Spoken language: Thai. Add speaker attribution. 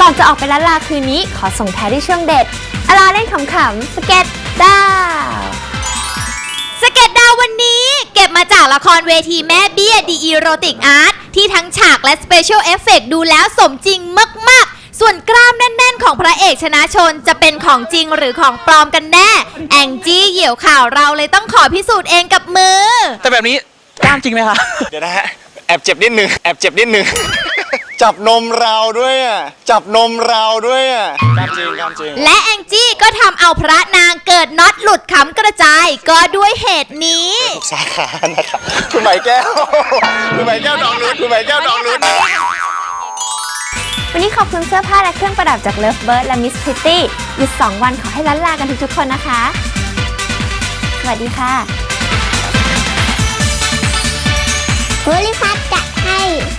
Speaker 1: อนจะออกไปล้านลาคืนนี้ขอส่งท้ายด้วยช่วงเด็ดอลาเล่นขำๆสเก็ตดาว
Speaker 2: สเก็ตดาววันนี้เก็บมาจากละครเวทีแม่เบี้ยดีอีโรติกอาร์ตที่ทั้งฉากและสเปเชียลเอฟเฟกต์ดูแล้วสมจริงมากๆส่วนกล้ามแน่นๆของพระเอกชนะชนจะเป็นของจริงหรือของปลอมกันแน่แองจี้เหี่ยวข่าวเราเลยต้องขอพิสูจน์เองกับมือ
Speaker 3: แต่แบบนี้กล้ามจริงไหมคะ
Speaker 4: เดี๋ยวนะฮะแอบเจ็บนิดนึงจับนมเราด้วยอ่ะจับนมเราด้วยอ่ะกล้ามจริง
Speaker 2: และแองจี้ก็ทำเอาพระนางเกิดน็อตหลุดขำกระจายก็ด้วยเหตุนี้
Speaker 4: ทุกสาขานะครับคุณไหมแก้วดองลุ้น
Speaker 1: วันนี้ขอบคุณเสื้อผ้าและเครื่องประดับจาก Lovebird และ Miss Pretty หยุด2 วันขอให้ล้านลากันทุกๆคนนะคะสวัสดีค่ะ
Speaker 5: โพลิพัทจัดให้